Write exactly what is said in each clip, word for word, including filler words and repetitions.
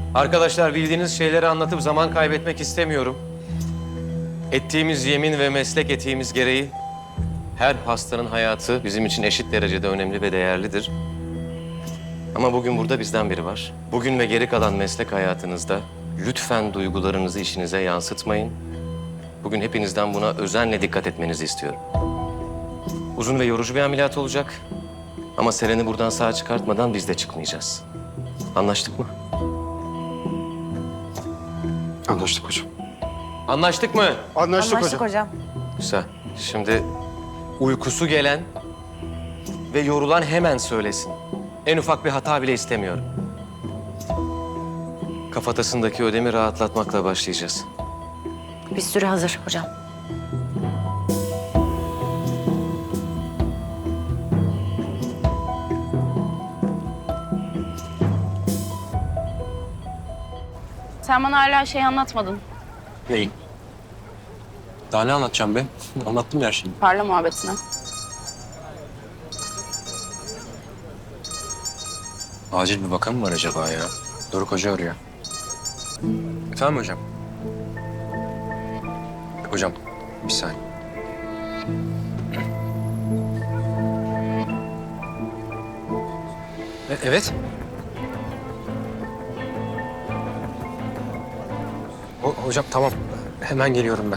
Arkadaşlar bildiğiniz şeyleri anlatıp zaman kaybetmek istemiyorum. Ettiğimiz yemin ve meslek etiğimiz gereği her hastanın hayatı bizim için eşit derecede önemli ve değerlidir. Ama bugün burada bizden biri var. Bugün ve geri kalan meslek hayatınızda lütfen duygularınızı işinize yansıtmayın. Bugün hepinizden buna özenle dikkat etmenizi istiyorum. Uzun ve yorucu bir ameliyat olacak. Ama Seren'i buradan sağ çıkartmadan biz de çıkmayacağız. Anlaştık mı? Anlaştık hocam. Anlaştık mı? Anlaştık, Anlaştık hocam. hocam. Güzel. Şimdi uykusu gelen ve yorulan hemen söylesin. En ufak bir hata bile istemiyorum. Kafatasındaki ödemi rahatlatmakla başlayacağız. Bir sürü hazır hocam. Sen bana hala şey anlatmadın. Neyi? Daha ne anlatacağım be? Anlattım ya her şeyi. Parla muhabbetine. Acil bir bakan mı var acaba ya? Doruk Hoca arıyor. Efendim hocam? Hocam, bir saniye. E, evet. Ho hocam tamam. Hemen geliyorum ben.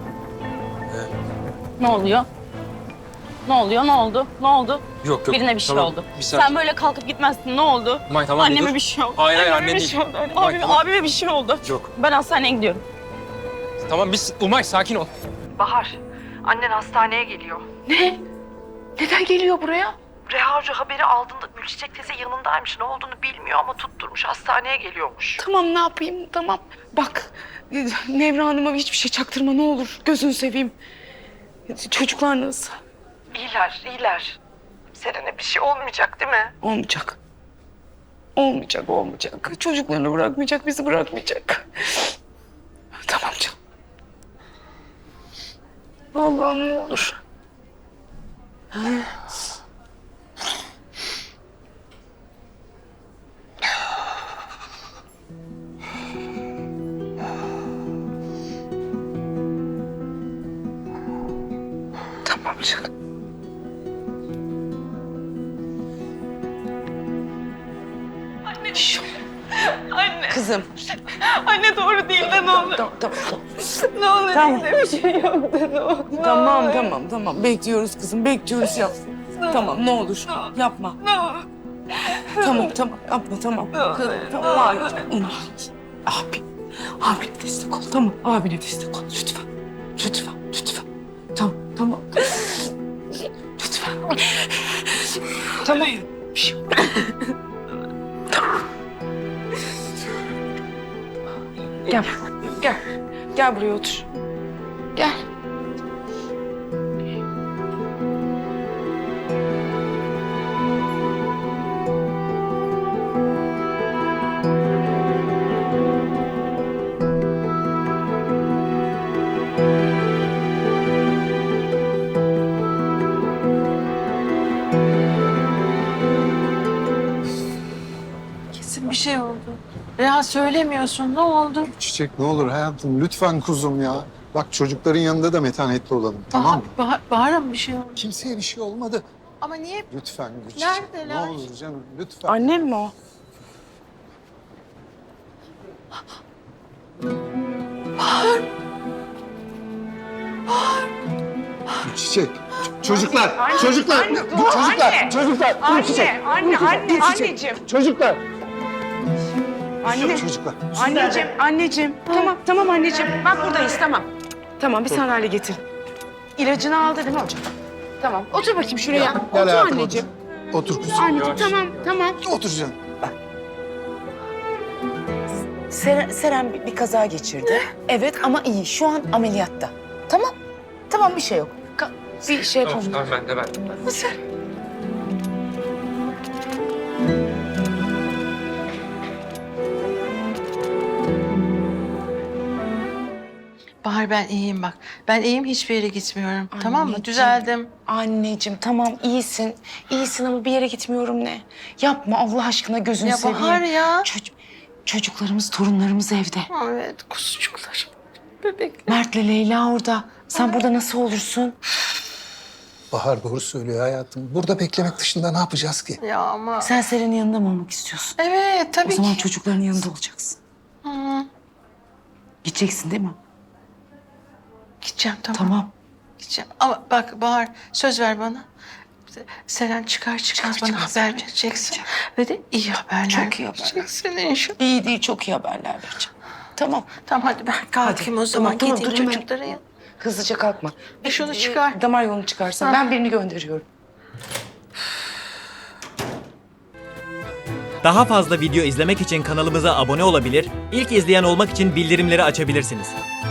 Ne oluyor? Ne oluyor? Ne oldu? Ne oldu? Yok yok. Birine bir şey tamam. oldu. Bir saniye. Sen böyle kalkıp gitmezsin. Ne oldu? May, tamam, Anneme dur. bir şey oldu. Hayır, hayır, Anneme annen bir değil. şey oldu. May, Abime, tamam. abime bir şey oldu. Yok. Ben hastaneye gidiyorum. Tamam biz Umay sakin ol. Bahar, annen hastaneye geliyor. Ne? Neden geliyor buraya? Reha Hoca haberi aldığında Gülçiçek teyze yanındaymış. Ne olduğunu bilmiyor ama tutturmuş hastaneye geliyormuş. Tamam ne yapayım tamam. Bak Nevra Hanım'a hiçbir şey çaktırma ne olur. Gözünü seveyim. Çocuklar nasıl? İyiler, iyiler. Seren'e bir şey olmayacak değil mi? Olmayacak. Olmayacak, olmayacak. Çocuklarını bırakmayacak, bizi bırakmayacak. Tamam canım. Allah'ım ne olur. Tamam canım. Anne. Anne. Kızım. Anne doğru değil de ne olur. Tamam, tamam. Ne olur Tamam. bir şey yok de ne olur. Ne Tamam, olur. tamam, tamam. Bekliyoruz kızım, bekliyoruz yap. Tamam, ne olur. Yapma. Ne olur. Tamam, tamam. Yapma, tamam. Kızım, tamam. Hayır. Abi, abine destek ol, tamam. Abine destek ol, lütfen. Lütfen, lütfen. Tamam, tamam. Lütfen. Tamam. Bir şey yok. Tamam. Gel, gel. Gel buraya otur. Gel. Kesin bir şey oldu. Reha söylemiyorsun. Ne oldu? Çiçek ne olur hayatım lütfen kuzum ya. Bak çocukların yanında da metanetli olalım tamam mı? Bahar, Bahar'a mı bir şey oldu? Kimseye bir şey olmadı. Ama niye? Lütfen Çiçek. Neredeler? Ne olur canım lütfen. Annem mi o? Çiçek. ç- Çocuklar. çocuklar. çocuklar. Çocuklar. Anne, Çiçek. anne, anne, Dur Çiçek. anneciğim. Çocuklar. Anne, Çocuklar. anneciğim, anneciğim. Tamam, tamam anneciğim. Bak buradayız, tamam. Tamam, bir sandalye getir. İlacını aldı değil mi hocam? Tamam, otur bakayım şuraya. Gel otur hayatım anneciğim. otur. Otur kuzum. Anneciğim, tamam, tamam. Otur canım. Seren, Seren bir, bir kaza geçirdi. Evet ama iyi. Şu an ameliyatta. Tamam. Tamam bir şey yok. Ka- bir şey yapalım. Tamam ben de ben de. Nasıl? Bahar ben iyiyim bak. Ben iyiyim hiçbir yere gitmiyorum. Tamam mı? Anneciğim. Düzeldim. Anneciğim tamam iyisin. İyisin ama bir yere gitmiyorum ne? Yapma Allah aşkına gözünü Ya seveyim. Bahar ya. Çocuk, Çocuklarımız, torunlarımız evde. Evet kuzucuklar. Bebekler. Mert'le Leyla orada. Sen burada nasıl olursun? Bahar doğru söylüyor hayatım. Burada beklemek dışında ne yapacağız ki? Ya ama. Sen Seren'in yanında mı olmak istiyorsun? Evet O tabii zaman ki. çocukların yanında olacaksın. Hı. Gideceksin değil mi? Gideceğim tamam. Tamam. Gideceğim. Ama bak Bahar söz ver bana. Seren çıkar çıkmaz Çıkar bana çıkmaz haber haber vereceksin. vereceğim. Ve de iyi haberler Çok iyi haberler. vereceksin inşallah. İyi değil, çok iyi haberler vereceğim. Tamam. Tamam hadi ben kalkayım Hadi. o zaman. Tamam, tamam, Gideyim dur hemen. çocukların yanına. Hızlıca kalkma. E şunu çıkar. Damar yolunu çıkarsan. Ha. Ben birini gönderiyorum. Daha fazla video izlemek için kanalımıza abone olabilir, ilk izleyen olmak için bildirimleri açabilirsiniz.